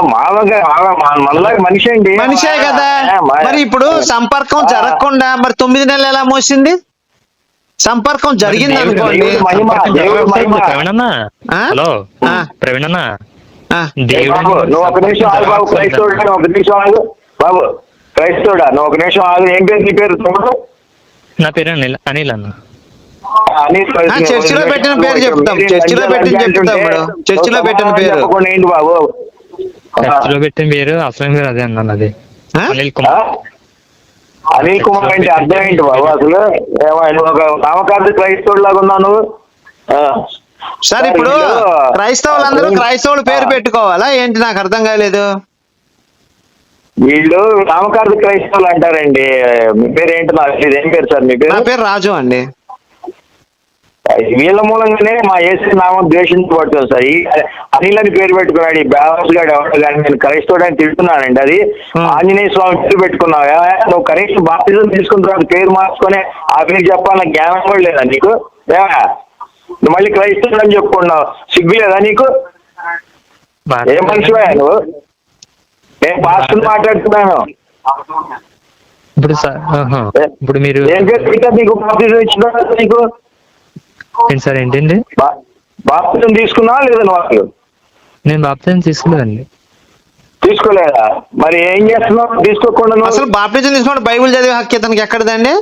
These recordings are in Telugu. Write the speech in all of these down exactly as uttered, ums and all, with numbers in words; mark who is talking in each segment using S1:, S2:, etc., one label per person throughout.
S1: మామూలుగా మనలాగా మనిషి అండి.
S2: మనిషే కదా. మరి ఇప్పుడు సంపర్కం జరగకుండా మరి తొమ్మిది నెలలు ఎలా మోసింది? సంపర్కం జరిగింది అనుకోండి.
S3: ప్రవీణన్నా, హలో ప్రవీణన్నా,
S1: నువ్వు ఒక నిమిషం ఆగు బాబు, క్రైస్తవుడా ఒక నిమిషం ఆగు బాబు, క్రైస్తవుడా నువ్వు ఒక నిమిషం ఆగు. ఏం పేరు నీ పేరు?
S3: నా పేరు అనిల్. అనిల్ అన్న.
S2: చర్చిలో పెట్టిన పేరు చెప్తాం. చర్చిలో పెట్టిన చెప్తాం చర్చిలో పెట్టిన పేరు
S1: ఏంటి బాబు?
S3: చర్చిలో పెట్టిన పేరు అసలు పేరు అదే అన్న, అది అనిల్ కుమార్.
S1: అనిల్ కుమార్ అంటే అర్థం ఏంటి బాబు అసలు? నువ్వు ఒక నామకార్థ క్రైస్తవుడు లాగా ఉన్నావు నువ్వు.
S2: సార్ ఇప్పుడు క్రైస్తవులందరూ క్రైస్తవులు పేరు పెట్టుకోవాలా ఏంటి? నాకు అర్థం కాలేదు.
S1: వీళ్ళు నామకార్థ క్రైస్తవులు అంటారండి. మీ పేరు ఏంటి? నాకు ఏం పేరు సార్ మీ పేరు?
S2: నా పేరు రాజు అండి.
S1: వీళ్ళ మూలంగానే మా యేసు నామం ద్వేషించబడుతుంది సార్. ఈ అనిల్ అని పేరు పెట్టుకున్నాడు ఈ బ్యాస్ గాడు ఎవరు కానీ. నేను క్రైస్తవుడు అని తిడుతున్నానండి. అది ఆంజనేయ స్వామి పేరు పెట్టుకున్నావా? నువ్వు కనీసం బాప్తిజం తీసుకున్న తర్వాత పేరు మార్చుకొని ఆ పేరు చెప్పాలన్న జ్ఞానం కూడా లేదా నీకు? నువ్వు మళ్ళీ క్రైస్తవుడు అని చెప్పుకున్నావు, సిగ్గు లేదా నీకు? ఏం మనిషివా నువ్వు? నేను పాస్టర్ మాట్లాడుతున్నాను.
S3: ఇప్పుడు ఇప్పుడు మీరు
S1: ఏం పేరు నీకు బాప్తిజం ఇచ్చిన నీకు?
S3: ఏంటి సార్? ఏంటండి?
S1: బాప్తిజం తీసుకున్నావా లేదా నువ్వు?
S3: నేను బాప్తిజం తీసుకోలేదండి.
S1: తీసుకోలేదా? మరి ఏం చేస్తున్నావు తీసుకోకుండా?
S2: అసలు బాప్తిజం తీసుకోండి బైబిల్ చదివే హక్కు ఇతనికి ఎక్కడదండి?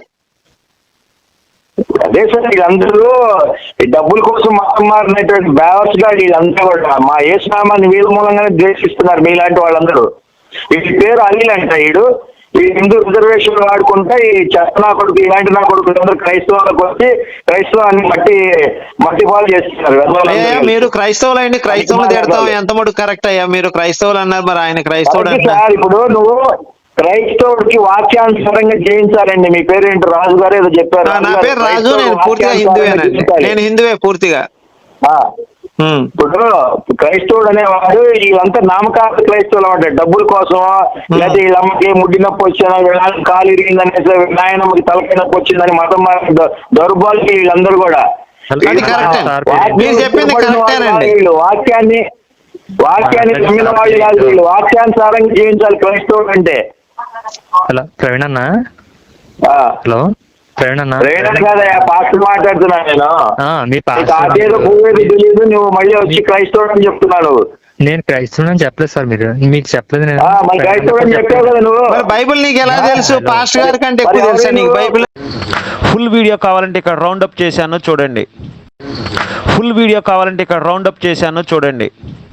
S1: అదే సార్ వీళ్ళందరూ డబ్బుల కోసం మతం మారినటువంటి బ్యావర్స్ గా వీళ్ళందరూ కూడా మా యేసునామాన్ని వీళ్ళ మూలంగానే ద్వేషిస్తున్నారు. మీలాంటి వాళ్ళందరూ. వీడి పేరు అనిల్ అంట. వీడు ఈ హిందూ రిజర్వేషన్ వాడుకుంటా ఈ చెత్త నా కొడుకు ఇలాంటి నా కొడుకు అందరూ క్రైస్తవులకు వచ్చి క్రైస్తవాన్ని మట్టి మట్టి పాలు చేస్తున్నారు.
S2: మీరు క్రైస్తవులు అండి, క్రైస్తవులు తిడతాం ఎంత మటుకు కరెక్ట్ అయ్యా? మీరు క్రైస్తవులు అన్నారు, మరి ఆయన క్రైస్తవుడు
S1: సార్. ఇప్పుడు నువ్వు క్రైస్తవుడికి వాక్యానుసారంగా జయించాలండి. మీ పేరు ఏంటి? రాజు గారు ఏదో చెప్పారు.
S2: నా పేరు రాజు. నేను పూర్తిగా హిందువేనండి. నేను హిందువే పూర్తిగా.
S1: ఇప్పుడు క్రైస్తవుడు అనేవాడు వీళ్ళంతా నామకార్థ క్రైస్తవులు అన్నమాట. డబ్బుల కోసం లేకపోతే వీళ్ళమ్మకి ముడ్డి నొప్పి వచ్చిందని, కాలు ఇరిగిందనేసి, నాయనమ్మకి తలకాయ నొప్పి వచ్చిందని మతం దౌర్బాలకి వీళ్ళందరూ కూడా వీళ్ళు వాక్యాన్ని వాక్యాన్ని నమ్మిన వాళ్ళు కాదు. వీళ్ళు వాక్యానుసారంగా జీవించాలి క్రైస్తవుడు అంటే.
S3: హలో ప్రవీణ్ అన్న. హలో ప్రవీణ్ అన్న.
S1: ప్రవీణ్ కాదయ్యా, పాస్టర్ మాట్లాడుతున్నాను నేను.
S3: అదేదో
S1: పోయేది తెలియదు, నువ్వు మళ్ళీ వచ్చి క్రైస్తవుడు అని చెప్తున్నాను.
S3: నేను క్రైస్తవుడు అని చెప్పలేదు సార్. మీరు మీకు చెప్పలేదు. నేను
S1: క్రైస్తవుడు అని చెప్పావు కదా నువ్వు.
S2: బైబిల్ నీకు ఎలా తెలుసు? పాస్టర్ గారి కంటే ఎక్కువ తెలుసా నీకు బైబిల్?
S4: ఫుల్ వీడియో కావాలంటే ఇక్కడ రౌండ్ అప్ చేశాను చూడండి. ఫుల్ వీడియో కావాలంటే ఇక్కడ రౌండ్ అప్ చేశాను చూడండి.